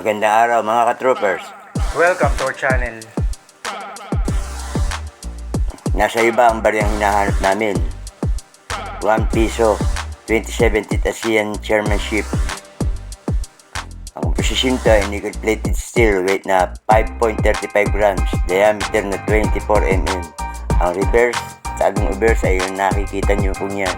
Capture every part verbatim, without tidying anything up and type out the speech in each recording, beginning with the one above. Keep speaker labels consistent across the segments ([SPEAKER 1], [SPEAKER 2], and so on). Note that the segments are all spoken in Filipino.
[SPEAKER 1] Magandang araw mga ka-troopers.
[SPEAKER 2] Welcome to our channel.
[SPEAKER 1] Nasa iba ang bariyang hinahanap namin. one piso, twenty seventeen ASEAN Chairmanship. Ang komposisyon ito ay nickel-plated steel, weight na five point three five grams, diameter na twenty-four millimeters. Ang reverse, sa agong reverse ay yung nakikita nyo kung yan.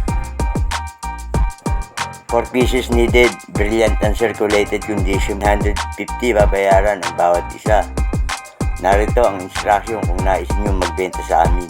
[SPEAKER 1] four pieces needed, brilliant and circulated condition, one hundred fifty babayaran ang bawat isa. Narito ang instruction kung nais nyo magbenta sa amin.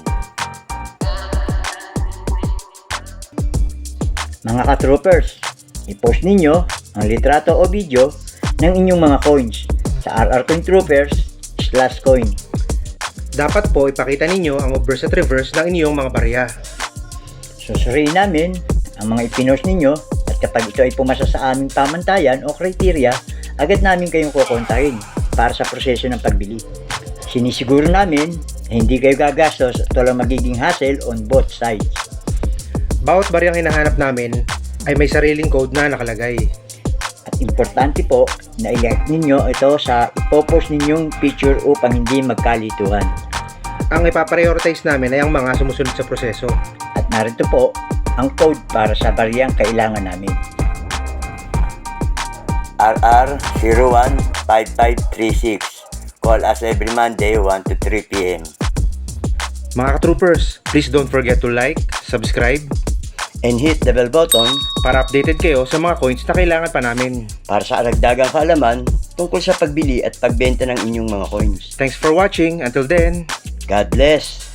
[SPEAKER 3] Mga ka-troopers, i-post ninyo ang litrato o video ng inyong mga coins sa R R Coin Troopers slash coin.
[SPEAKER 2] Dapat po ipakita ninyo ang obverse at reverse ng inyong mga barya.
[SPEAKER 3] Susuriin namin ang mga ipinost ninyo at kapag ito ay pumasa sa aming pamantayan o kriteria, agad namin kayong kukontahin para sa proseso ng pagbili. Sinisiguro namin na hindi kayo gagastos at walang magiging hassle on both sides.
[SPEAKER 2] Bawat baryang hinahanap namin ay may sariling code na nakalagay.
[SPEAKER 3] At importante po na i-like ninyo ito sa ipopost ninyong picture upang hindi magkalituhan.
[SPEAKER 2] Ang ipaprioritize namin ay ang mga sumusunod sa proseso.
[SPEAKER 3] At narito po ang code para sa baryang kailangan namin.
[SPEAKER 1] R R zero one five five three six. Call us every Monday one to three p m
[SPEAKER 2] Mga ka-troopers, please don't forget to like, subscribe,
[SPEAKER 1] and hit the bell button
[SPEAKER 2] para updated kayo sa mga coins na kailangan pa namin.
[SPEAKER 1] para sa aragdagang kaalaman tungkol sa pagbili at pagbenta ng inyong mga coins.
[SPEAKER 2] Thanks for watching. Until then,
[SPEAKER 1] God bless!